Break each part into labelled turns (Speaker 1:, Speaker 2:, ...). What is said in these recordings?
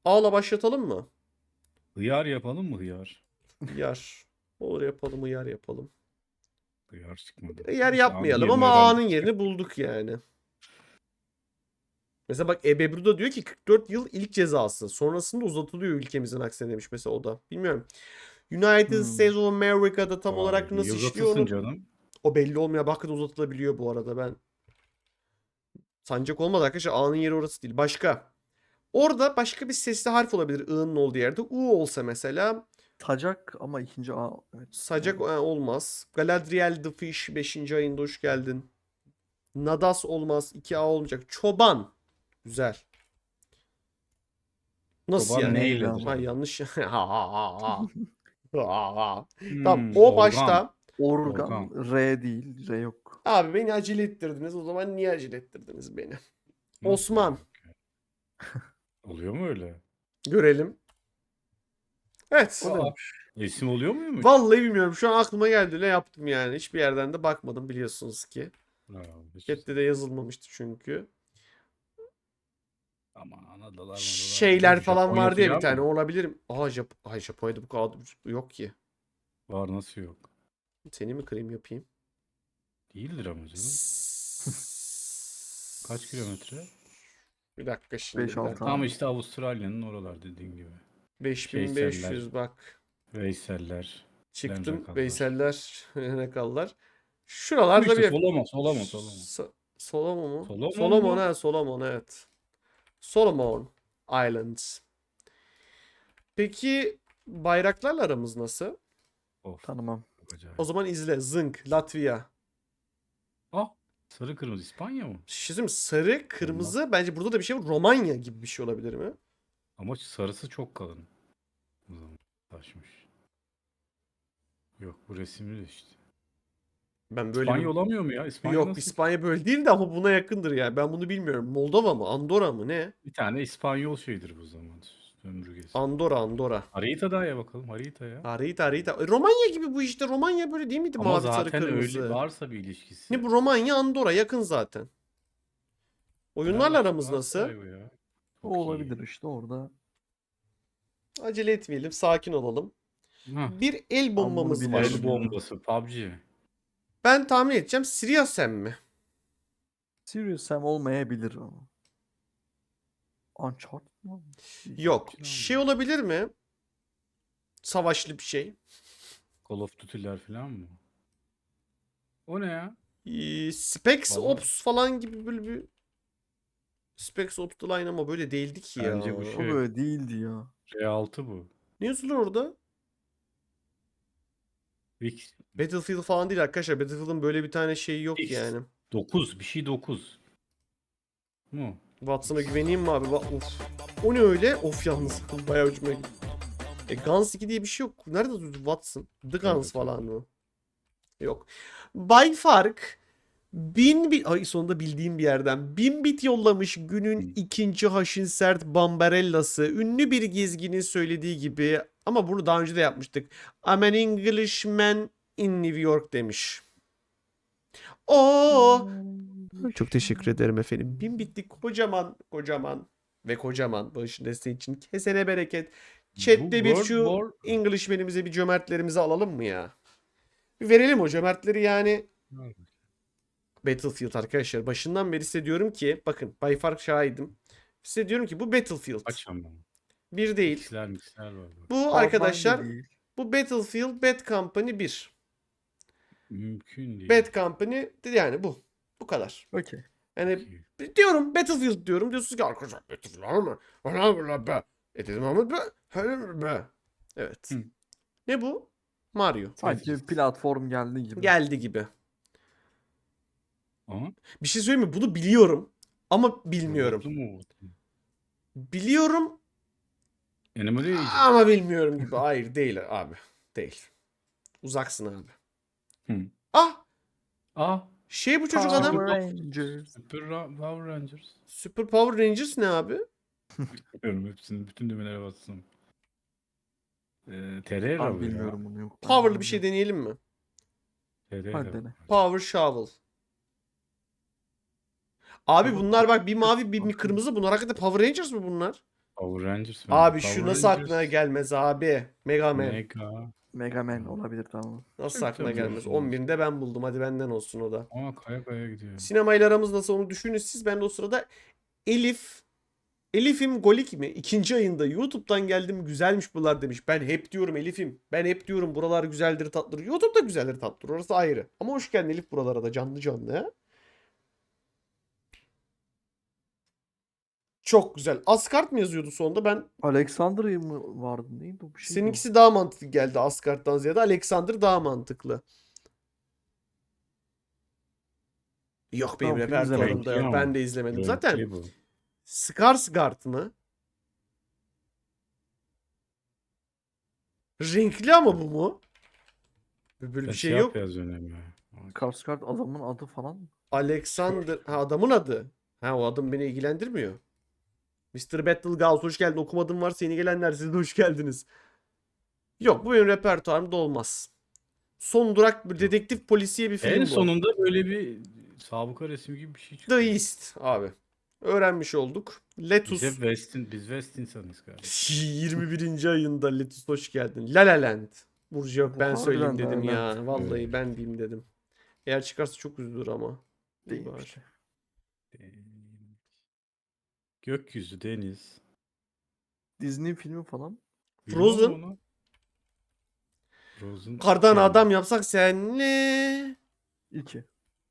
Speaker 1: A'la başlatalım mı?
Speaker 2: Hıyar yapalım mı hıyar?
Speaker 1: Hıyar. Olur yapalım, hıyar yapalım.
Speaker 2: Hıyar çıkmadı.
Speaker 1: Hıyar
Speaker 2: Neyse, A'nın
Speaker 1: yapmayalım
Speaker 2: yerine
Speaker 1: ama
Speaker 2: herhalde
Speaker 1: A'nın
Speaker 2: çıkacak.
Speaker 1: yerini bulduk yani. Mesela bak Ebru da diyor ki 44 yıl ilk cezası. Sonrasında uzatılıyor ülkemizin aksine demiş mesela o da. Bilmiyorum. United States of America'da tam olarak
Speaker 2: Niye
Speaker 1: nasıl işliyor
Speaker 2: uzatılsın
Speaker 1: onu
Speaker 2: canım?
Speaker 1: o belli olmuyor. Bakın uzatılabiliyor bu arada ben. Sancak olmadı arkadaşlar. A'nın yeri orası değil. Başka. Orada başka bir sesli harf olabilir. I'nın olduğu yerde. U olsa mesela
Speaker 3: Tacak ama ikinci A. Evet.
Speaker 1: sacak
Speaker 3: olmaz.
Speaker 1: olmaz. Galadriel the Fish 5. ayında hoş geldin. Nadas olmaz. 2A olmayacak. Çoban. Güzel. Nasıl
Speaker 2: Çoban
Speaker 1: yani?
Speaker 3: neyle
Speaker 2: neyledir?
Speaker 3: ama?
Speaker 1: Ha yanlış. Tamam. O
Speaker 2: Organ.
Speaker 1: başta.
Speaker 3: Organ R değil. R yok.
Speaker 1: Abi beni acele ettirdiniz. O zaman niye acele ettirdiniz beni?
Speaker 2: Nasıl
Speaker 1: Osman.
Speaker 2: yani? Oluyor mu öyle?
Speaker 1: Görelim. Evet.
Speaker 3: O
Speaker 2: Aa,
Speaker 3: demiş.
Speaker 2: isim oluyor muymuş?
Speaker 1: Vallahi bilmiyorum. Şu an aklıma geldi. Ne yaptım yani. Hiçbir yerden de bakmadım biliyorsunuz ki.
Speaker 2: Bravo, hiç.
Speaker 1: Chat'te de yazılmamıştı çünkü.
Speaker 2: Aman adalar
Speaker 1: Şeyler falan
Speaker 2: Japonya
Speaker 1: vardı ya bir
Speaker 2: falan
Speaker 1: tane.
Speaker 2: mı?
Speaker 1: Olabilir mi? Aa Ay Japonya'da bu kadar yok ki.
Speaker 2: Var, nasıl yok?
Speaker 1: Seni mi kırayım yapayım?
Speaker 2: Değildir ama canım. Kaç kilometre?
Speaker 1: Bir dakika şimdi.
Speaker 3: 5-6
Speaker 1: dakika.
Speaker 2: Tam
Speaker 3: abi.
Speaker 2: işte Avustralya'nın oralar dediğin gibi.
Speaker 1: 5500 bak.
Speaker 2: Veyseller.
Speaker 1: Çıktım.
Speaker 2: Lemrakallar.
Speaker 1: Veyseller. Ne kallar.
Speaker 2: Bu
Speaker 1: Şuralarda
Speaker 2: işte
Speaker 1: bir
Speaker 2: Solomon.
Speaker 1: Solomon mu?
Speaker 2: Solomon
Speaker 1: Solomon
Speaker 2: mu?
Speaker 1: ha Solomon evet. Solomon Islands. Peki bayraklarla aramız nasıl?
Speaker 2: Of.
Speaker 3: Tanımam.
Speaker 2: Çok acayip.
Speaker 1: O zaman izle. Zınk, Latvia.
Speaker 2: Ah, sarı kırmızı İspanya mı?
Speaker 1: Şimdi sarı, kırmızı bence burada da bir şey var. Romanya gibi bir şey olabilir mi?
Speaker 2: Ama sarısı çok kalın. O zaman taşmış. Yok, bu resimli de işte.
Speaker 1: Ben böyle
Speaker 2: İspanya
Speaker 1: bir...
Speaker 2: olamıyor mu ya? İspanya
Speaker 1: Yok
Speaker 2: nasıl?
Speaker 1: İspanya böyle değil de ama buna yakındır yani. Ben bunu bilmiyorum. Moldova mı? Andorra mı? Ne?
Speaker 2: Bir tane İspanyol şeydir bu zaman. Sömürgesi.
Speaker 1: Andorra.
Speaker 2: Haritaya ya bakalım, haritaya.
Speaker 1: Harita. Romanya gibi bu işte. Romanya böyle değil miydi?
Speaker 2: Ama
Speaker 1: Mavi, sarı,
Speaker 2: zaten öyle
Speaker 1: kırmızı.
Speaker 2: varsa bir ilişkisi.
Speaker 1: Ne bu Romanya, Andorra yakın zaten. Oyunlarla
Speaker 2: Fenerbahçe
Speaker 1: aramız nasıl?
Speaker 2: Galatasaray bu ya.
Speaker 3: O
Speaker 2: Çok iyi.
Speaker 3: olabilir işte orada.
Speaker 1: Acele etmeyelim, sakin olalım.
Speaker 2: Hah,
Speaker 1: Bir el
Speaker 3: bunu
Speaker 1: bombamız var.
Speaker 3: biliyorum.
Speaker 2: el bombası, PUBG.
Speaker 1: Ben tahmin edeceğim. Sirius mi?
Speaker 3: Serious Sam olmayabilir ama. Uncharted mı?
Speaker 1: Yok.
Speaker 2: PUBG
Speaker 1: Şey
Speaker 2: mi?
Speaker 1: olabilir mi? Savaşlı bir şey.
Speaker 2: Call of Duty'ler falan mı? O ne ya?
Speaker 1: Specs
Speaker 2: Vallahi.
Speaker 1: Ops falan gibi böyle bir Specs Ops The Line ama böyle değildi ki ya.
Speaker 2: Bence bu
Speaker 3: O
Speaker 2: şey.
Speaker 3: böyle değildi ya.
Speaker 2: R6 bu.
Speaker 1: Ne yazılır orada?
Speaker 2: X,
Speaker 1: Battlefield falan değil arkadaşlar. Battlefield'ın böyle bir tane şeyi yok
Speaker 2: X.
Speaker 1: yani.
Speaker 2: 9, bir şey 9. Mu?
Speaker 1: Watson'a güveneyim mi abi? Of. O ne öyle? Of yalnız. Bayağı ucuma gitti. Guns 2 diye bir şey yok. Nerede durdu Watson? The Guns
Speaker 2: Evet,
Speaker 1: falan mı? Yok. Bay Fark 1000 bit ay sonunda bildiğim bir yerden 1000 bit yollamış günün ikinci haşin sert Bambarella'sı. Ünlü bir gezginin söylediği gibi ama bunu daha önce de yapmıştık. I'm an Englishman in New York demiş. Oo. Çok teşekkür ederim efendim. 1000 bitlik kocaman bağışın desteği için kesene bereket. Chat'te bir
Speaker 2: World
Speaker 1: şu
Speaker 2: War.
Speaker 1: Englishman'imize bir cömertlerimizi alalım mı ya? Bir verelim o cömertleri yani. Battlefield arkadaşlar. Başından beri size diyorum ki bakın Bay Fark şahidim. Size diyorum ki bu Battlefield.
Speaker 2: Kaç ama?
Speaker 1: Bir değil.
Speaker 2: X'ler var.
Speaker 1: Bu
Speaker 3: Hardline de
Speaker 1: arkadaşlar
Speaker 3: değil.
Speaker 1: bu Battlefield Bad Company 1.
Speaker 2: Mümkün değil.
Speaker 1: Bad Company yani bu. Bu kadar.
Speaker 3: Okey.
Speaker 1: Yani diyorum Battlefield diyorum. Diyorsunuz ki arkadaşlar Battlefield var mı? Bla be. Dedim ama be. Evet.
Speaker 2: Hı.
Speaker 1: Ne bu? Mario.
Speaker 3: Sanki
Speaker 2: Tetris.
Speaker 3: platform geldi gibi.
Speaker 1: Geldi gibi.
Speaker 2: Aha.
Speaker 1: Bir şey söyleyeyim mi? Bunu biliyorum ama bilmiyorum.
Speaker 2: Robotlu mu?
Speaker 1: Biliyorum
Speaker 2: Animal Agent.
Speaker 1: ama bilmiyorum gibi. Hayır değil abi. Değil. Uzaksın abi.
Speaker 2: Hı.
Speaker 1: Ah!
Speaker 2: Ah.
Speaker 1: Şey bu çocuk
Speaker 3: Power
Speaker 1: adam.
Speaker 3: Rangers.
Speaker 2: Power Rangers.
Speaker 1: Super Power Rangers ne abi?
Speaker 2: Bilmiyorum hepsini. Bütün düğmelere bassın. Terera
Speaker 3: Ben
Speaker 2: bu ya.
Speaker 3: bilmiyorum bunu yok. Ben
Speaker 1: Power'lı bir
Speaker 3: bilmiyorum.
Speaker 1: şey deneyelim mi?
Speaker 2: Terera.
Speaker 3: Hadi dene.
Speaker 1: Power Shovel. Abi
Speaker 3: Ama
Speaker 1: bunlar bak bir
Speaker 3: Power
Speaker 1: mavi bir
Speaker 3: Rangers
Speaker 1: kırmızı. Bunlar hakikaten Power Rangers mı bunlar?
Speaker 2: Power Rangers mi?
Speaker 1: Abi
Speaker 2: Power
Speaker 1: şu nasıl aklına
Speaker 2: Rangers,
Speaker 1: gelmez abi? Mega Man.
Speaker 2: Mega.
Speaker 3: Mega Man olabilir, tamam.
Speaker 1: Nasıl
Speaker 2: Tabii,
Speaker 1: aklına
Speaker 2: tabii,
Speaker 1: gelmez?
Speaker 2: olsun,
Speaker 1: 11'inde ben buldum. Hadi benden olsun o da.
Speaker 2: Ama kaya kaya gidiyor.
Speaker 1: Sinemayla aramız nasıl onu düşünün siz. Ben de o sırada Elif'im Golik mi? İkinci ayında YouTube'dan geldim güzelmiş buralar demiş. Ben hep diyorum Elif'im. Ben hep diyorum buralar güzeldir tatlıdır. YouTube'da güzeldir tatlıdır. Orası ayrı. Ama hoş geldin Elif buralara da canlı canlı ya. Çok güzel. Asgard mı yazıyordu sonunda? Ben
Speaker 3: Alexandria mı vardı, neydi o, bir şeydi o.
Speaker 1: seninkisi daha mantıklı geldi Asgard'dan ziyade. Alexander daha mantıklı. Yok benim
Speaker 3: Tamam, film
Speaker 1: repertuarımda
Speaker 3: izlemedim.
Speaker 1: yok.
Speaker 2: Renkli
Speaker 1: Ben
Speaker 2: ama.
Speaker 1: de izlemedim.
Speaker 2: Renkli
Speaker 1: Zaten
Speaker 2: bu.
Speaker 1: Skarsgård mı? Renkli ama bu mu? Böyle bir
Speaker 2: Sen
Speaker 1: şey
Speaker 2: yap
Speaker 1: yok.
Speaker 2: yaz önemli.
Speaker 3: Skarsgård adamın adı falan mı?
Speaker 1: Alexander. Ha adamın adı. Ha o adım beni ilgilendirmiyor. Mr. Battlegrounds hoş geldin. Okumadığım varsa yeni gelenler siz de hoş geldiniz. Yok bu benim repertuarımda olmaz. Son durak bir dedektif polisiye bir film
Speaker 2: En
Speaker 1: bu.
Speaker 2: sonunda böyle bir sabıka resmi gibi bir şey çıkıyor.
Speaker 1: The East abi. Öğrenmiş olduk.
Speaker 2: Biz
Speaker 1: Letus
Speaker 2: hep biz West insanız kardeşim.
Speaker 1: 21. ayında Letus hoş geldin. La La Land. Burcu yok
Speaker 3: Bu
Speaker 1: ben söyleyeyim
Speaker 3: harbiden La
Speaker 1: dedim
Speaker 3: La
Speaker 1: ya.
Speaker 3: Land.
Speaker 1: Vallahi
Speaker 2: Evet.
Speaker 1: ben diyeyim dedim. Eğer çıkarsa çok üzülür ama. İyi
Speaker 3: Değil
Speaker 1: bari.
Speaker 3: işte.
Speaker 2: Gökyüzü, deniz.
Speaker 3: Disney filmi falan.
Speaker 2: Bilmiyorum
Speaker 1: Frozen.
Speaker 2: onu. Frozen
Speaker 1: Kardan
Speaker 2: yani
Speaker 1: adam yapsak senle.
Speaker 3: 2.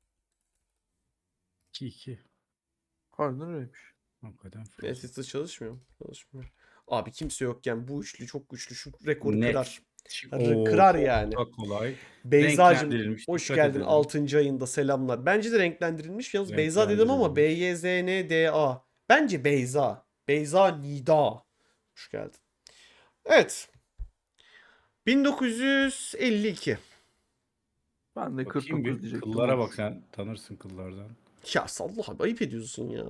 Speaker 2: 2-2.
Speaker 3: Harbiden öyleymiş.
Speaker 2: Hakikaten Frozen.
Speaker 1: Netflix'te çalışmıyor mu? Çalışmıyor. Abi kimse yokken bu üçlü çok güçlü şu rekoru
Speaker 2: Net.
Speaker 1: kırar.
Speaker 2: Oo,
Speaker 1: Kırar
Speaker 2: çok
Speaker 1: yani.
Speaker 2: da kolay.
Speaker 1: Beyza'cığım
Speaker 2: Renklendirilmiş.
Speaker 1: hoş
Speaker 2: Dikkat
Speaker 1: geldin
Speaker 2: edelim.
Speaker 1: 6. ayında selamlar. Bence de renklendirilmiş. Yalnız Beyza dedim ama
Speaker 2: Renklendirilmiş.
Speaker 1: B-Y-Z-N-D-A. Bence Beyza. Beyza Nida. Hoş geldin. Evet. 1952.
Speaker 3: Ben de
Speaker 2: Bakayım
Speaker 3: 49
Speaker 2: bir.
Speaker 3: diyecektim.
Speaker 2: Kıllara
Speaker 3: olur.
Speaker 2: bak, sen tanırsın kıllardan.
Speaker 1: Ya sallah abi ayıp ediyorsun ya.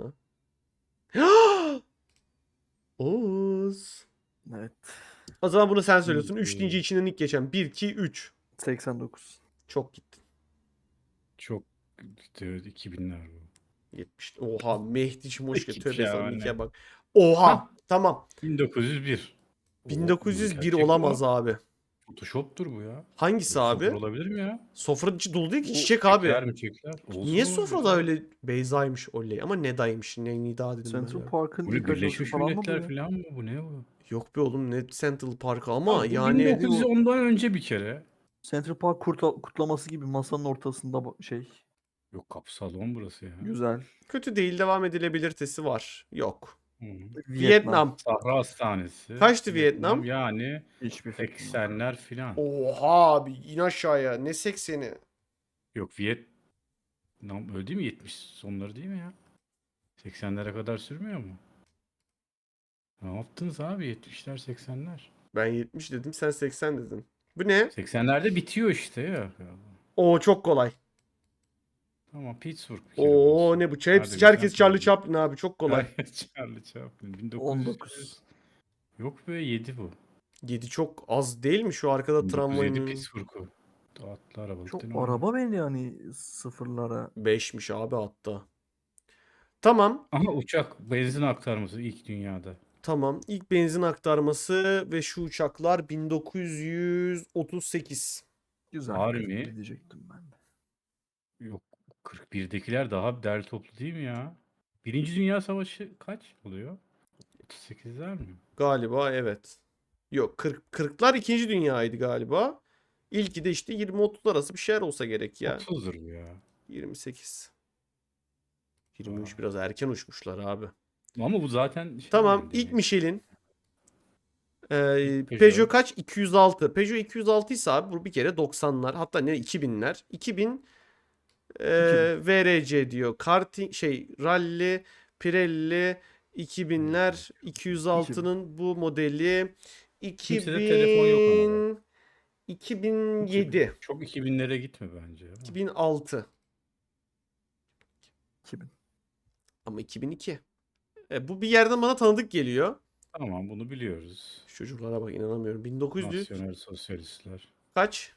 Speaker 1: Oğuz.
Speaker 3: Evet.
Speaker 1: O zaman bunu sen söylüyorsun. 3
Speaker 2: Ee,
Speaker 1: deyince içinden ilk geçen. 1, 2, 3.
Speaker 3: 89.
Speaker 1: Çok gittin.
Speaker 2: Çok 2000'ler bu.
Speaker 1: 70. Oha Mehdi'cim hoş geldin.
Speaker 2: Git
Speaker 1: Tövbe
Speaker 2: ya
Speaker 1: estağfurullah
Speaker 2: anne.
Speaker 1: bak. Oha.
Speaker 2: Hah.
Speaker 1: Tamam.
Speaker 2: 1901. Oo,
Speaker 1: 1901
Speaker 2: gerçek
Speaker 1: olamaz
Speaker 2: bu.
Speaker 1: abi.
Speaker 2: Photoshop'tur bu ya.
Speaker 1: Hangisi
Speaker 2: Böyle sıfır
Speaker 1: abi?
Speaker 2: olabilir mi ya?
Speaker 1: Sofra içi dolu değil ki
Speaker 3: O
Speaker 1: çiçek abi.
Speaker 2: Çiçekler mi çiçekler? Olsun
Speaker 1: Niye
Speaker 2: oğlum
Speaker 1: sofrada
Speaker 2: ya.
Speaker 1: öyle Beyza'ymış oley ama Neda'ymış. Ne Nida dedim ben
Speaker 3: Central
Speaker 1: ya.
Speaker 3: Park'ın
Speaker 2: Bu ne,
Speaker 3: ilk aşaması
Speaker 2: Birleşmiş
Speaker 3: falan mı bu
Speaker 2: Milletler
Speaker 3: ya?
Speaker 2: falan mı? Bu ne bu?
Speaker 1: Yok be oğlum ne Central Park ama
Speaker 2: Abi bu
Speaker 1: yani
Speaker 2: 1910'dan önce bir kere.
Speaker 3: Central Park kutlaması gibi masanın ortasında şey.
Speaker 2: Yok, kapı salon burası ya.
Speaker 3: Güzel.
Speaker 1: kötü değil devam edilebilirtesi var. Yok.
Speaker 2: Hı.
Speaker 1: Vietnam.
Speaker 2: Sahra Hastanesi.
Speaker 1: Kaçtı Vietnam?
Speaker 2: Yani
Speaker 3: Hiçbir fikrim yok.
Speaker 2: 80'ler filan.
Speaker 1: Oha abi in aşağıya. Ne 80'i?
Speaker 2: Yok, Vietnam öyle değil mi? 70 sonları değil mi ya? 80'lere kadar sürmüyor mu? Ne yaptınız abi 70'ler 80'ler?
Speaker 1: Ben 70 dedim sen 80 dedin. Bu ne?
Speaker 2: 80'lerde bitiyor işte ya.
Speaker 1: Oo çok kolay.
Speaker 2: Tamam, Pittsburgh bir kere
Speaker 1: Oo
Speaker 2: burası.
Speaker 1: ne bu?
Speaker 2: Hadi
Speaker 1: Herkes
Speaker 2: güzel
Speaker 1: Charlie
Speaker 2: oldu.
Speaker 1: Chaplin abi çok kolay.
Speaker 2: Charlie Chaplin. 1900.
Speaker 3: 19.
Speaker 2: Yok be, 7 bu.
Speaker 1: 7 çok az değil mi şu arkada
Speaker 2: 1907
Speaker 1: tramvayın?
Speaker 2: Pittsburgh'u. Atlı arabalık
Speaker 3: Çok
Speaker 2: değil mi?
Speaker 3: araba beni yani sıfırlara.
Speaker 1: 5'miş abi hatta. Tamam.
Speaker 2: Aha, uçak benzin aktarması ilk dünyada.
Speaker 1: Tamam. İlk benzin aktarması ve şu uçaklar 1938.
Speaker 3: Güzel.
Speaker 2: Harbi
Speaker 3: 41
Speaker 2: mi?
Speaker 3: diyecektim ben de.
Speaker 2: Yok, 41'dekiler daha derli toplu değil mi ya? Birinci Dünya Savaşı kaç oluyor? 38'ler mi?
Speaker 1: Galiba evet. Yok 40'lar 2. Dünyaydı galiba. İlki de işte 20-30 arası bir şeyler olsa gerek ya.
Speaker 2: 30'dur bu ya.
Speaker 1: 28. 23 biraz erken uçmuşlar abi.
Speaker 2: Ama bu zaten şey
Speaker 1: Tamam
Speaker 2: yani.
Speaker 1: ilk Michelin.
Speaker 2: Peugeot.
Speaker 1: Peugeot kaç? 206. Peugeot 206 ise abi bu bir kere 90'lar hatta ne 2000'ler. 2000 VRC diyor. Karting Rally, Pirelli 2000'ler 206'nın bu modeli
Speaker 2: Kimsede telefon yok ama.
Speaker 1: 2007.
Speaker 2: Çok 2000'lere gitme bence. Ya.
Speaker 1: 2006
Speaker 3: 2000.
Speaker 1: ama 2002. Bu bir yerden bana tanıdık geliyor.
Speaker 2: Tamam, bunu biliyoruz.
Speaker 1: Şu çocuklara bak inanamıyorum. 1900
Speaker 2: Nasyonel sosyalistler.
Speaker 1: kaç?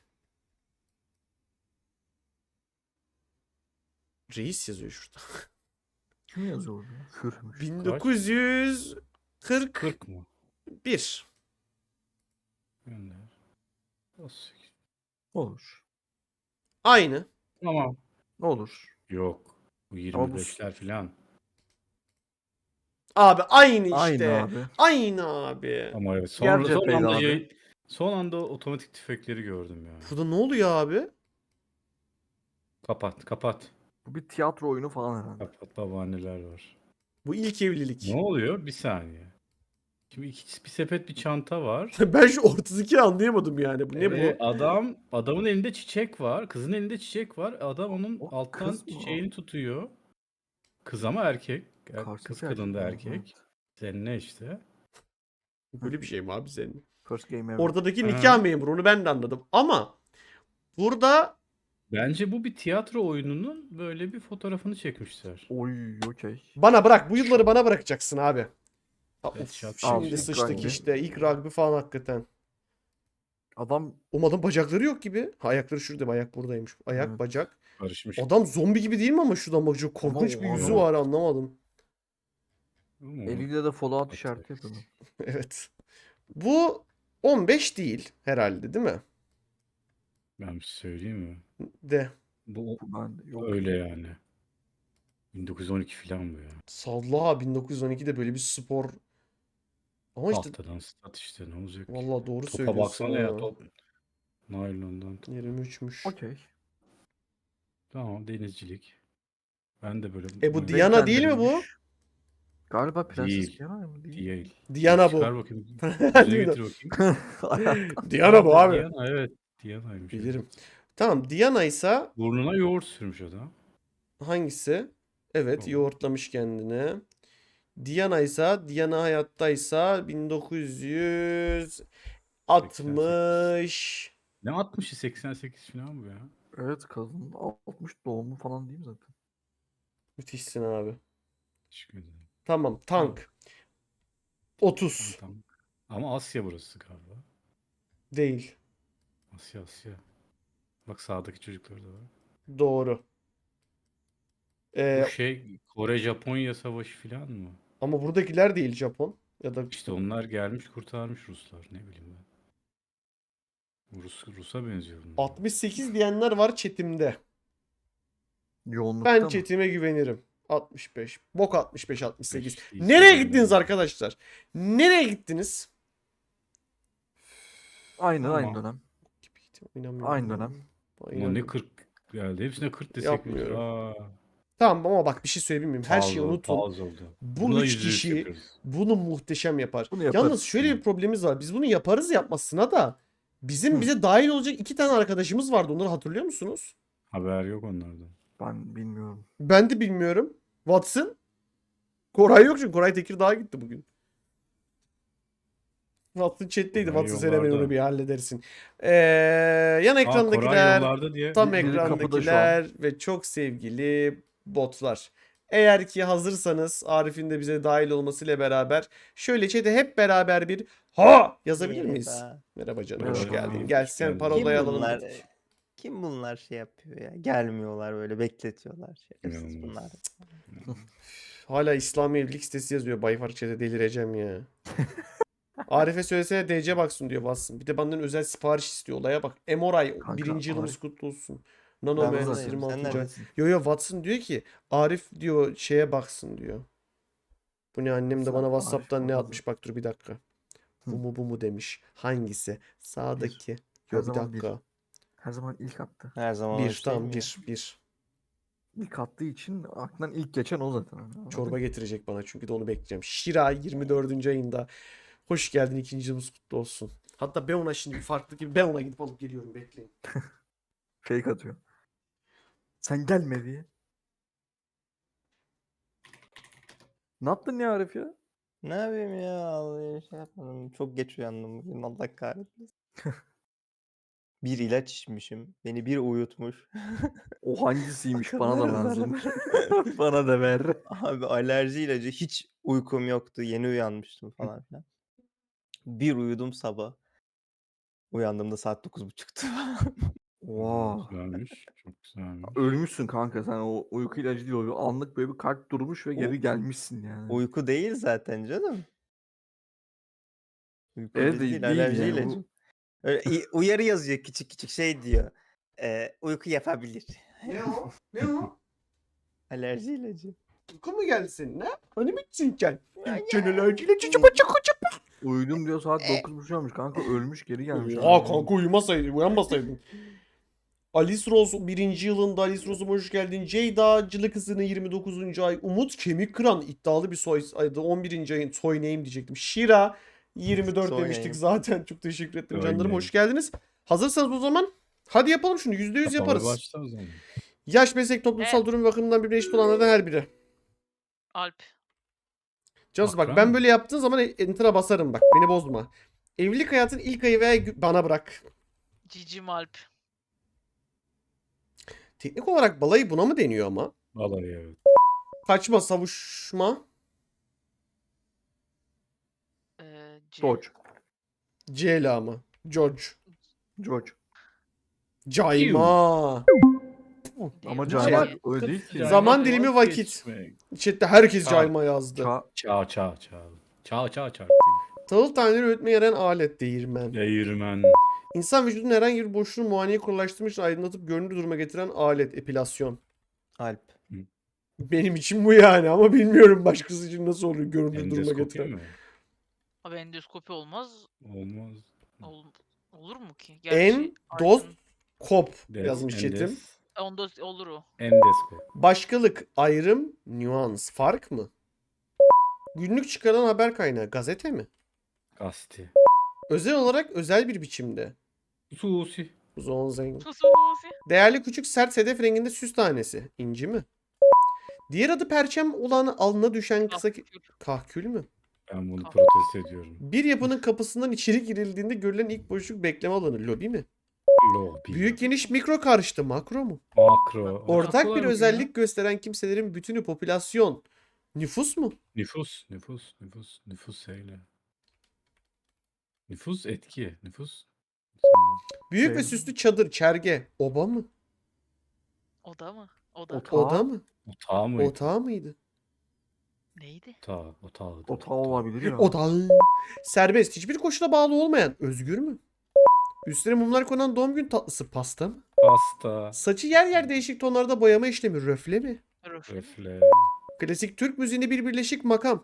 Speaker 1: Reis yazıyor şurada.
Speaker 3: Kim yazıyor orada? Hürmüş.
Speaker 1: 1900 41.
Speaker 2: 40 mı? Gönder. 38.
Speaker 3: Olur.
Speaker 1: Aynı.
Speaker 2: Tamam.
Speaker 3: Olur.
Speaker 2: Yok. Bu
Speaker 3: Ama bu
Speaker 2: 25'ler falan.
Speaker 1: Abi aynı işte.
Speaker 3: aynı abi.
Speaker 1: Aynı abi.
Speaker 2: Ama evet
Speaker 3: Diğer
Speaker 2: son
Speaker 3: cepheydi
Speaker 2: anda
Speaker 3: abi.
Speaker 2: son anda otomatik tüfekleri gördüm ya.
Speaker 1: Burada ne oluyor abi?
Speaker 2: Kapat, kapat.
Speaker 3: Bu bir tiyatro oyunu falan herhalde.
Speaker 2: Kapat, babaanneler var.
Speaker 1: Bu ilk
Speaker 2: Ne
Speaker 1: evlilik.
Speaker 2: oluyor? Bir saniye. Şimdi bir sepet bir çanta var.
Speaker 1: Ben şu ortadaki anlayamadım yani. Bu ne bu?
Speaker 2: Adamın elinde çiçek var. Kızın elinde çiçek var. Adam onun
Speaker 3: O
Speaker 2: alttan
Speaker 3: kız mı o?
Speaker 2: çiçeğini tutuyor. Kız ama erkek. Kız
Speaker 3: Karşıdaki
Speaker 2: kadın
Speaker 3: erkek
Speaker 2: da
Speaker 3: mi?
Speaker 2: erkek.
Speaker 3: Evet.
Speaker 2: Senin ne işte?
Speaker 1: Böyle bir şey mi abi senin?
Speaker 3: First game ever.
Speaker 1: Ortadaki
Speaker 2: Ha.
Speaker 1: nikah memuru onu ben de anladım. Ama burada
Speaker 2: Bence bu bir tiyatro oyununun böyle bir fotoğrafını çekmişler.
Speaker 3: Oy okey.
Speaker 1: bana bırak. Bu yılları bana bırakacaksın abi. Ha,
Speaker 2: Evet,
Speaker 1: of,
Speaker 2: şat-
Speaker 1: şimdi
Speaker 3: ilk
Speaker 1: sıçtık
Speaker 3: rugby.
Speaker 1: işte. İlk rugby falan hakikaten.
Speaker 3: Adam
Speaker 1: Umarım bacakları yok gibi. Ha, ayakları şurada. Ayak buradaymış. Ayak,
Speaker 3: Evet.
Speaker 1: bacak.
Speaker 2: Karışmış.
Speaker 1: Adam zombi gibi değil mi ama şuradan bakınca korkunç
Speaker 3: Ama
Speaker 1: bir
Speaker 3: o
Speaker 1: yüzü
Speaker 3: adam-
Speaker 1: var, anlamadım.
Speaker 2: Ama
Speaker 3: eliyle de Fallout
Speaker 2: Evet,
Speaker 3: işareti
Speaker 2: evet.
Speaker 3: yapıyor.
Speaker 1: Evet. Bu 15 değil herhalde, değil mi?
Speaker 2: Ben bir şey söyleyeyim mi?
Speaker 1: De.
Speaker 2: Bu
Speaker 3: Bu ben yok.
Speaker 2: öyle yani. 1912 falan bu ya.
Speaker 1: Salla 1912'de böyle bir spor. Ama işte
Speaker 2: Tahtadan stat işte ne olacak ki?
Speaker 1: vallahi doğru
Speaker 2: Topa
Speaker 1: söylüyorsun
Speaker 2: baksana ya
Speaker 1: ha.
Speaker 2: top. Naylondan top.
Speaker 1: 23'müş.
Speaker 3: Okey.
Speaker 2: Tamam denizcilik. Ben de böyle
Speaker 1: E bu
Speaker 2: oyun-
Speaker 1: Diana değil mi bu?
Speaker 3: Renklendirilmiş. Galiba Prenses
Speaker 2: Değil.
Speaker 3: Diana mı? Değil.
Speaker 2: Değil.
Speaker 1: Diana
Speaker 2: Çıkar
Speaker 1: bu.
Speaker 2: bakayım. Yüzüne
Speaker 1: Değil mi?
Speaker 2: getir bakayım.
Speaker 3: Hayattan.
Speaker 1: Diana bu abi.
Speaker 2: Diana evet. Diana'ymış.
Speaker 1: Bilirim.
Speaker 2: Evet.
Speaker 1: Tamam, Diana ise
Speaker 2: Burnuna yoğurt sürmüş adam.
Speaker 1: hangisi? Evet,
Speaker 2: Tamam.
Speaker 1: yoğurtlamış kendini. Diana ise Diana hayattaysa 1960.
Speaker 2: Ne 60'ı 88 falan bu ya.
Speaker 3: Evet kadın 60 doğumlu falan değil mi zaten?
Speaker 1: Müthişsin abi.
Speaker 2: Teşekkür ederim.
Speaker 1: Tamam, tank. 30
Speaker 2: Tamam. Ama Asya burası galiba.
Speaker 1: değil.
Speaker 2: Asya. Bak sağdaki çocuklar da var.
Speaker 1: Doğru.
Speaker 2: Bu şey Kore-Japonya savaşı falan mı?
Speaker 1: Ama buradakiler değil Japon. Ya da
Speaker 2: İşte onlar gelmiş kurtarmış Ruslar. Ne bileyim ben. Rus'a benziyor bunlar.
Speaker 1: 68 diyenler var chatimde.
Speaker 3: Yoğunlukta
Speaker 1: Ben
Speaker 3: mı?
Speaker 1: chatime güvenirim. 65. Bok 65, 68.
Speaker 2: 65 değilse
Speaker 1: Nereye
Speaker 2: ben
Speaker 1: gittiniz
Speaker 2: de-
Speaker 1: arkadaşlar? Nereye gittiniz?
Speaker 3: Aynı
Speaker 2: Tamam.
Speaker 3: dönem.
Speaker 1: İnanmıyorum
Speaker 3: Aynı
Speaker 1: ya.
Speaker 3: dönem.
Speaker 2: Ama ne
Speaker 1: İnanmıyorum.
Speaker 2: 40 geldi. Hepsine 40 desek
Speaker 1: Yapmıyorum.
Speaker 2: Aa,
Speaker 1: Tamam ama bak bir şey söyleyeyim mi? Her şeyi unutun.
Speaker 2: Pause oldu.
Speaker 1: Bu
Speaker 2: Buna
Speaker 1: üç
Speaker 2: %100
Speaker 1: kişi
Speaker 2: yaparız.
Speaker 1: bunu muhteşem yapar.
Speaker 3: Bunu yaparız.
Speaker 1: Yalnız şöyle bir problemimiz var. Biz bunu yaparız yapmasına da bizim
Speaker 3: Hı.
Speaker 1: bize dahil olacak 2 tane arkadaşımız vardı. Onları hatırlıyor musunuz?
Speaker 2: Haber yok onlardan.
Speaker 3: Ben bilmiyorum.
Speaker 1: Ben de bilmiyorum. Watson. Koray yok çünkü Koray Tekirdağ'a gitti bugün. Watson chat'teydi.
Speaker 2: Koray
Speaker 1: Watson sen hemen
Speaker 2: yollarda.
Speaker 1: onu bir halledersin. Yan
Speaker 2: Koray
Speaker 1: ekrandakiler,
Speaker 2: yollarda diye.
Speaker 1: tam
Speaker 3: Biri kapıda şu
Speaker 1: ekrandakiler ve çok sevgili botlar. Eğer ki hazırsanız Arif'in de bize dahil olmasıyla beraber şöyle chat'e hep beraber bir ha yazabilir miyiz?
Speaker 4: Merhaba.
Speaker 1: Merhaba canım,
Speaker 3: Merhaba.
Speaker 1: hoş geldin.
Speaker 2: Hoş
Speaker 1: Gel sen
Speaker 2: geldin.
Speaker 1: parolayı
Speaker 4: Kim
Speaker 1: alalım
Speaker 4: bunlar?
Speaker 1: dedik.
Speaker 4: Kim bunlar şey yapıyor ya? Gelmiyorlar böyle bekletiyorlar. Şerefsiz
Speaker 2: İnanılmaz.
Speaker 4: bunlar.
Speaker 1: Hala İslami evlilik sitesi yazıyor. Bayfar chat'e delireceğim ya. Arif'e söylesene DC baksın diyor Watson. Bir de benden özel sipariş istiyor. Olaya bak. Emoray
Speaker 3: Kanka,
Speaker 1: 1. yılımız
Speaker 3: Arif-
Speaker 1: kutlu olsun. Nano
Speaker 4: Ben
Speaker 1: mühendis
Speaker 4: buradayım,
Speaker 1: 26.
Speaker 4: sen
Speaker 1: ay.
Speaker 4: neredesin?
Speaker 1: Yo Watson diyor ki Arif diyor şeye baksın diyor. Bu ne, annem de
Speaker 3: Sen
Speaker 1: bana
Speaker 3: Arif
Speaker 1: WhatsApp'tan ne
Speaker 3: bana
Speaker 1: atmış, bak dur bir dakika.
Speaker 3: Hı.
Speaker 1: Bu mu demiş. Hangisi? Sağdaki.
Speaker 3: Her
Speaker 1: Yo bir
Speaker 3: zaman bir.
Speaker 1: dakika.
Speaker 3: Her zaman ilk attı.
Speaker 4: Her zaman o
Speaker 1: Bir
Speaker 4: şey
Speaker 1: tamam
Speaker 4: mi ya?
Speaker 1: bir.
Speaker 3: İlk attığı için aklından ilk geçen o zaten. Anladın
Speaker 1: Çorba
Speaker 3: mı?
Speaker 1: getirecek bana çünkü de onu bekleyeceğim. Şira 24. ayında. Hoş geldin, 2. yılımız kutlu olsun. Hatta ben ona şimdi bir farklı gibi ben ona gidip alıp geliyorum, bekleyin.
Speaker 3: Fake atıyor. Sen gelme diye. Ne yaptın ya Arif ya?
Speaker 4: Ne yapayım ya? Vallahi şey yapmadım. Çok geç uyandım bugün. Allah kahretmesin. Bir ilaç içmişim. Beni bir uyutmuş.
Speaker 3: O hangisiymiş bana da
Speaker 4: Akılları
Speaker 3: lazım.
Speaker 4: zarar.
Speaker 3: Bana da ver.
Speaker 4: Abi alerji ilacı, hiç uykum yoktu. Yeni uyanmıştım falan filan. Bir uyudum sabah. Uyandığımda saat 9.30'tu.
Speaker 3: Wow.
Speaker 2: Güzelmiş. Çok güzelmiş.
Speaker 3: Ölmüşsün kanka sen, o uyku ilacı değil, o anlık böyle bir kalp durmuş ve
Speaker 4: O-
Speaker 3: geri gelmişsin yani.
Speaker 4: Uyku değil zaten canım. Uyku
Speaker 3: Evet,
Speaker 4: ilacı
Speaker 3: değil
Speaker 4: değil, alerji
Speaker 3: yani bu.
Speaker 4: ilacı. Öyle uyarı yazıyor küçük küçük şey diyor. Uyku yapabilir.
Speaker 1: Ne o? Ne o?
Speaker 4: Alerji ilacı.
Speaker 1: Uyku mu geldi senin ha? Hani bitsin sen?
Speaker 4: Ay,
Speaker 1: Cenelerciyle çocuk
Speaker 3: Uyudum diyor saat 9.30 olmuş kanka, ölmüş geri gelmiş.
Speaker 1: Oha
Speaker 3: hala.
Speaker 1: kanka uyumasaydın, uyanmasaydın. Alice Rose 1. yılında Alice Rose'um hoş geldin. Ceyda Cılı Kızı'nın 29. ay. Umut Kemik Kıran iddialı bir soy aydı. 11. ayın soy name diyecektim. Şira 24
Speaker 4: Soy
Speaker 1: demiştik
Speaker 4: name.
Speaker 1: zaten. Çok teşekkür ederim
Speaker 2: Soy
Speaker 1: canlarım.
Speaker 2: name.
Speaker 1: Hoş geldiniz. Hazırsanız o zaman hadi yapalım şunu. %100 yaparız.
Speaker 2: Başla o zaman.
Speaker 1: Yaş, meslek, toplumsal durum bakımından birbirine eşit olanlardan her biri.
Speaker 5: Alp.
Speaker 1: Cansu bak
Speaker 2: Akran
Speaker 1: ben
Speaker 2: mı?
Speaker 1: böyle yaptığın zaman enter'a basarım bak. Beni bozma. Evlilik hayatın ilk ayı veya bana bırak.
Speaker 5: Cicim Alp.
Speaker 1: Teknik olarak balayı buna mı deniyor ama?
Speaker 2: Vallahi evet.
Speaker 1: Kaçma, savuşma,
Speaker 5: C.
Speaker 3: George.
Speaker 1: Ceyla mı? George.
Speaker 3: George.
Speaker 1: Cayma.
Speaker 3: Ama
Speaker 5: Değil mi?
Speaker 3: caymak
Speaker 5: C.
Speaker 3: öyle değil ki.
Speaker 1: Zaman dilimi vakit.
Speaker 2: Vazgeçmek.
Speaker 1: Chat'te herkes
Speaker 2: Çağ.
Speaker 1: cayma yazdı.
Speaker 3: Ça
Speaker 2: Çağ.
Speaker 1: Tahıl taneleri üretmeye yarayan alet değirmen.
Speaker 2: Değirmen.
Speaker 1: İnsan vücudunun herhangi bir boşluğunu muayeneye kolaylaştırmak için aydınlatıp görünür duruma getiren alet. Epilasyon.
Speaker 4: Alp.
Speaker 1: Benim için bu yani ama bilmiyorum başkası için nasıl oluyor görünür duruma
Speaker 2: Endoskopi
Speaker 1: getiren.
Speaker 2: mi?
Speaker 5: Abi endoskopi olmaz.
Speaker 2: Olmaz.
Speaker 5: Olur mu ki?
Speaker 1: En, doz,
Speaker 5: aydın-
Speaker 1: kop
Speaker 2: Des-
Speaker 1: yazmış chatim.
Speaker 5: Onda olur o.
Speaker 2: Endoskop.
Speaker 1: Başkalık, ayrım, nüans, fark mı? Günlük çıkaran haber kaynağı, gazete mi?
Speaker 2: Gazete.
Speaker 1: Özel olarak özel bir biçimde.
Speaker 2: Susi.
Speaker 1: Zonzeng.
Speaker 5: Sususi.
Speaker 1: Değerli küçük sert sedef renginde süs tanesi. İnci mi? Diğer adı perçem olan alnına düşen kısa kahkül mü?
Speaker 2: Ben bunu
Speaker 5: Kah-
Speaker 2: protesto ediyorum.
Speaker 1: Bir yapının kapısından içeri girildiğinde görülen ilk boşluk bekleme alanı. Lobi mi?
Speaker 2: Lobi.
Speaker 1: Büyük geniş mikro karıştı. Makro mu?
Speaker 2: Makro.
Speaker 1: Ortak
Speaker 2: Kolay
Speaker 1: bir
Speaker 2: bakın ya.
Speaker 1: özellik gösteren kimselerin bütünü popülasyon. Nüfus mu?
Speaker 2: Nüfus söyle. Nüfus etki. Nüfus.
Speaker 1: Büyük ve
Speaker 3: Şey-
Speaker 1: süslü çadır, çerge. Oba mı?
Speaker 5: Oda mı? Oda.
Speaker 3: Ota.
Speaker 1: Oda mı?
Speaker 2: Otağı mıydı?
Speaker 1: Otağı mıydı?
Speaker 5: Neydi?
Speaker 2: Otağı.
Speaker 3: Otağı olabilir ya.
Speaker 1: Odağı. Serbest. Hiçbir koşula bağlı olmayan. Özgür mü? Üstüne mumlar konan doğum gün tatlısı. Pasta mı?
Speaker 2: Pasta.
Speaker 1: Saçı yer yer değişik tonlarda boyama işlemi. Röfle mi?
Speaker 5: Röfle.
Speaker 2: Röfle.
Speaker 1: Klasik Türk müziğinde bir birleşik makam.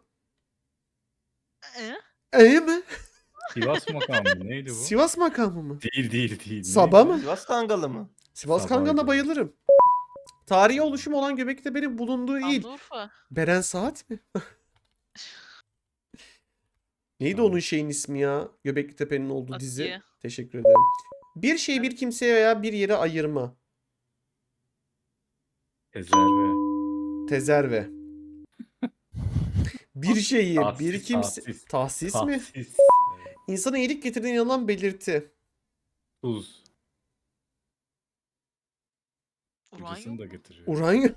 Speaker 1: Mi?
Speaker 2: Sivas makamı neydi bu?
Speaker 1: Sivas makamı mı?
Speaker 2: Değil.
Speaker 1: Sabah
Speaker 2: Neydi?
Speaker 1: mı?
Speaker 4: Sivas Kangalı mı?
Speaker 1: Sivas
Speaker 2: Sabah
Speaker 1: Kangan'a
Speaker 2: diyorum.
Speaker 1: bayılırım. Tarihi oluşumu olan Göbeklitepe'nin bulunduğu il.
Speaker 5: Şanlıurfa.
Speaker 1: Beren Saat mi? Neydi
Speaker 2: Tamam.
Speaker 1: onun şeyin ismi ya? Göbeklitepe'nin olduğu dizi.
Speaker 5: Asiye.
Speaker 1: Teşekkür ederim. Bir şeyi bir kimseye veya bir yere ayırma.
Speaker 2: Ezerve.
Speaker 1: Tezerve. Bir şeyi
Speaker 2: Tahsis,
Speaker 1: bir kimse...
Speaker 2: tahsis.
Speaker 1: Tahsis mi?
Speaker 2: Tahsis. Evet.
Speaker 1: İnsana iyilik getirdiğine inanılan belirti.
Speaker 2: Tuz.
Speaker 5: Uranyum.
Speaker 2: Ucusunu da getiriyor.
Speaker 1: Uranyum.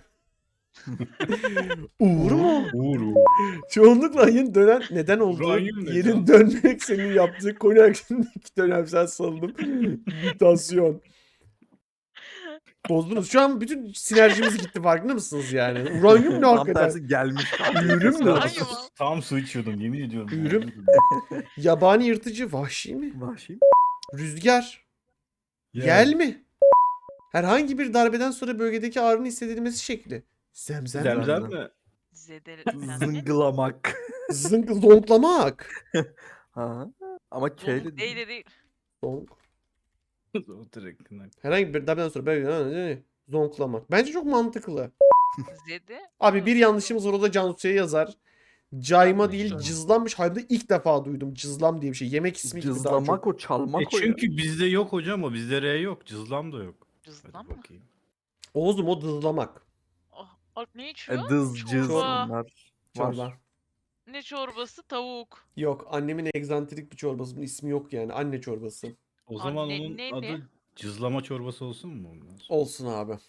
Speaker 1: Uğur mu?
Speaker 2: Uğur.
Speaker 1: Çoğunlukla ayın dönen neden olduğu
Speaker 2: Uranyum ne
Speaker 1: yerin
Speaker 2: can?
Speaker 1: dönmek senin yaptığı konu hakkındaki dönemsel salınım. Mutasyon. Bozdunuz. Şu an bütün sinerjimiz gitti farkında mısınız yani? Uranyum ne
Speaker 3: Tam
Speaker 1: hakikaten?
Speaker 3: tersi gelmiş.
Speaker 1: Ürün mü?
Speaker 5: Uranyum.
Speaker 2: Tam su içiyordum yemin ediyorum.
Speaker 1: Ürün. Yabani yırtıcı, vahşi mi?
Speaker 3: Vahşi.
Speaker 1: Rüzgar, yel mi? Herhangi bir darbeden sonra bölgedeki ağrının hissedilmesi şekli. Zemzem.
Speaker 2: Zemzem mi?
Speaker 5: Zedelendi.
Speaker 3: Zıngılamak.
Speaker 1: Zınk, zonklamak.
Speaker 3: Ha. Ama K de
Speaker 5: Değil değil.
Speaker 1: Zonk.
Speaker 2: O direkt.
Speaker 1: Herhangi bir darbeden sonra bölgeden zonklamak. Bence çok mantıklı.
Speaker 5: Zede.
Speaker 1: Abi bir yanlışımız var o da Cansu'ya yazar. Cayma değil
Speaker 2: Cayma.
Speaker 1: cızlanmış. Hayatımda ilk defa duydum cızlam diye bir şey. Yemek ismi gibi daha
Speaker 3: cızlamak
Speaker 1: çok.
Speaker 3: o çalmak o ya.
Speaker 2: Çünkü bizde yok hocam o. Bizde R yok. Cızlam da yok.
Speaker 5: Cızlan
Speaker 2: Hadi
Speaker 5: mı?
Speaker 2: bakayım.
Speaker 1: Oğuzum o dızlamak.
Speaker 5: Ah, Alp ne içiyor?
Speaker 3: Dız cız
Speaker 5: Çorba.
Speaker 3: onlar.
Speaker 1: Çorba.
Speaker 3: Var.
Speaker 5: Ne çorbası? Tavuk.
Speaker 1: Yok annemin egzantrik bir çorbası. Bunun ismi yok yani. Anne çorbası.
Speaker 2: O zaman
Speaker 5: Anne,
Speaker 2: onun
Speaker 5: ne?
Speaker 2: adı cızlama çorbası olsun mu? Ondan sonra?
Speaker 1: Olsun abi.